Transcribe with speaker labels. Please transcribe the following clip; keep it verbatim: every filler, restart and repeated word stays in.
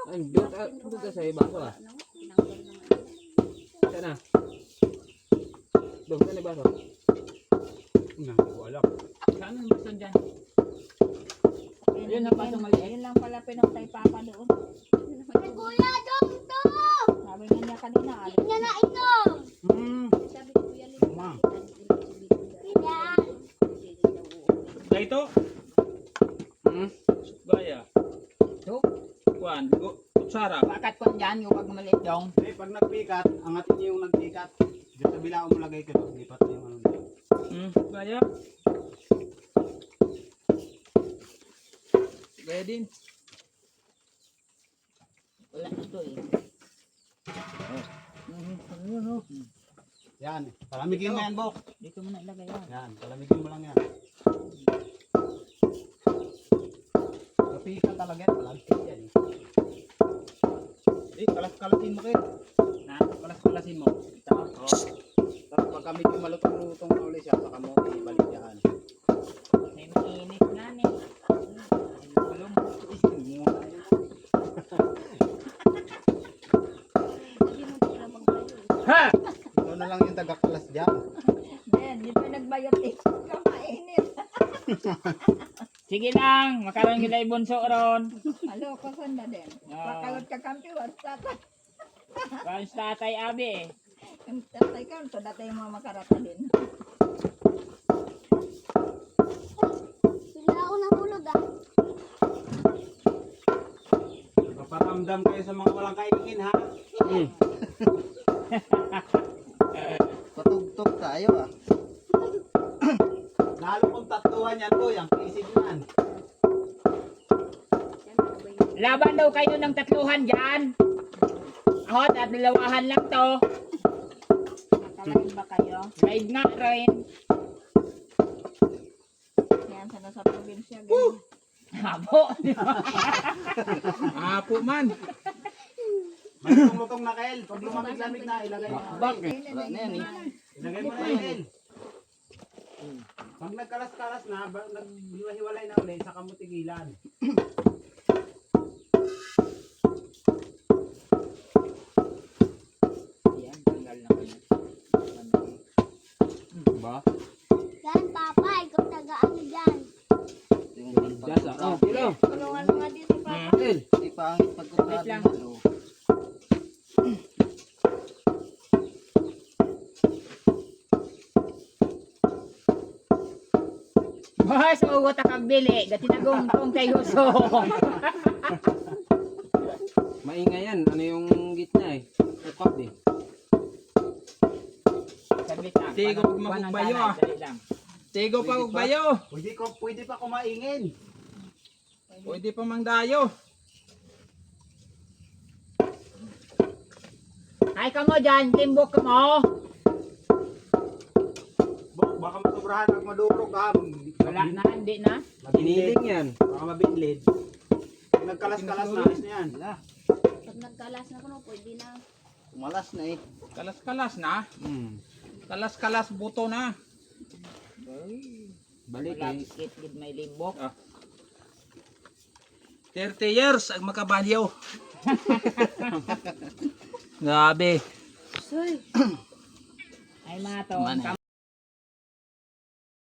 Speaker 1: Ay, doon ka, doon ka sa baso ah. Saan na? Doon ka na baso.
Speaker 2: Hindi ko alam.
Speaker 3: Saan ang baso dyan? Yun ang baso maliit.
Speaker 4: Yun lang pala pinagtay papa doon.
Speaker 5: Ay, kuya, dong to!
Speaker 4: Sabi nga niya kanina, alis.
Speaker 5: Tingnan na ito!
Speaker 2: Hmm.
Speaker 4: Sabi ko kuya, lipat.
Speaker 2: Tama.
Speaker 5: Yan.
Speaker 3: Dito?
Speaker 1: Hmm?
Speaker 3: Gaya.
Speaker 4: So,
Speaker 3: Kuan, go. Kutsara.
Speaker 4: bakat ko dyan yung pag maliit dong.
Speaker 2: Eh, pag nagpikat, angatin niyo yung nagpikat. Diyan sa bilang mo lagay ko. Lipat na yung ano na.
Speaker 3: Hmm, gaya. Gaya din.
Speaker 4: Wala ito eh.
Speaker 2: Yan. Palamigin mo yan, Bok.
Speaker 4: Dito mo na ilagay yan.
Speaker 2: Yan. Palamigin mo lang yan. Napikat talaga yan. Palamigin yan. Eh, kalas-kalasin mo kayo.
Speaker 3: Na, kalas-kalasin mo.
Speaker 2: Ito. Oh. Tapos pagka medyo malutong-lutong na ulit siya, saka mo ibalik yan.
Speaker 4: May mainit na ni.
Speaker 3: Alam mo. Ha!
Speaker 2: Ito na lang yung taga-kalas dyan.
Speaker 4: Then, di pa nagbayot eh. Kamainit.
Speaker 3: Sige lang, makaroon kita ibunso ron.
Speaker 4: Halo, kasan na din.
Speaker 3: Ah.
Speaker 4: Pakalot ka kampi, wala tatay.
Speaker 3: Karoon sa tatay abi eh.
Speaker 4: Yung tatay ka, so datay mo makarata din.
Speaker 5: Bigla ako nahulog ah.
Speaker 2: Paparamdam kayo sa mga walang kaingin, ha?
Speaker 1: Hmm.
Speaker 2: Patugtog tayo, ah. Lalo kong tatuan yan, boy. Ang kisig yan.
Speaker 3: Laban daw kayo ng tatluhan dyan. Ahot at dalawahan lang to.
Speaker 4: Nakalain ba kayo?
Speaker 3: Live nga rin.
Speaker 4: Yan, sana sa probinsya. ganyan.
Speaker 3: Habo. Apo man.
Speaker 2: May lutong-lutong na, Kael. Pag lumamig-lamig na, ilagay mo.
Speaker 1: Bakit?
Speaker 4: Wala na yan eh.
Speaker 2: Ilagay mo na, Kael. Pag nagkalas-kalas na, ba- naghiwa-hiwalay na ulit, saka mo tigilan.
Speaker 3: Yan, tanggal na kayo.
Speaker 1: Ba?
Speaker 5: Yan, papa. Ikaw taga-ano dyan.
Speaker 1: Das ah. Oh, tira.
Speaker 4: Tulungan mo nga dito, papa.
Speaker 1: El.
Speaker 6: Di pangit pagkutado
Speaker 3: Wait lang.
Speaker 6: mo.
Speaker 3: Boss, ugot ang bili. Gatinagong tong kay Huso.
Speaker 1: Maingay yan. Ano yung gitna eh? Upak eh.
Speaker 3: Saglit lang. Tigo pag makugbayo ah. Tigo pa ugbayo.
Speaker 2: Pwede, ko, pwede pa kumaingin.
Speaker 3: Pwede pa mangdayo. Ay ka mo dyan, timbok ka mo.
Speaker 2: Bak- Baka masobrahan at madurog, ha?
Speaker 3: Wala na, hindi na.
Speaker 1: Hiniling yan.
Speaker 2: Baka mabinlid. Pag nagkalas-kalas na, ayos na yan.
Speaker 5: Pag nagkalas na ko, no, pwede na.
Speaker 6: Malas na eh.
Speaker 3: Kalas-kalas na.
Speaker 1: Hmm.
Speaker 3: Kalas-kalas buto na.
Speaker 1: Balik
Speaker 3: Wala,
Speaker 1: eh.
Speaker 3: kit gid may limbok. Ah. thirty years ang makabalyaw. Grabe.
Speaker 4: Ay, mato.
Speaker 6: Manay.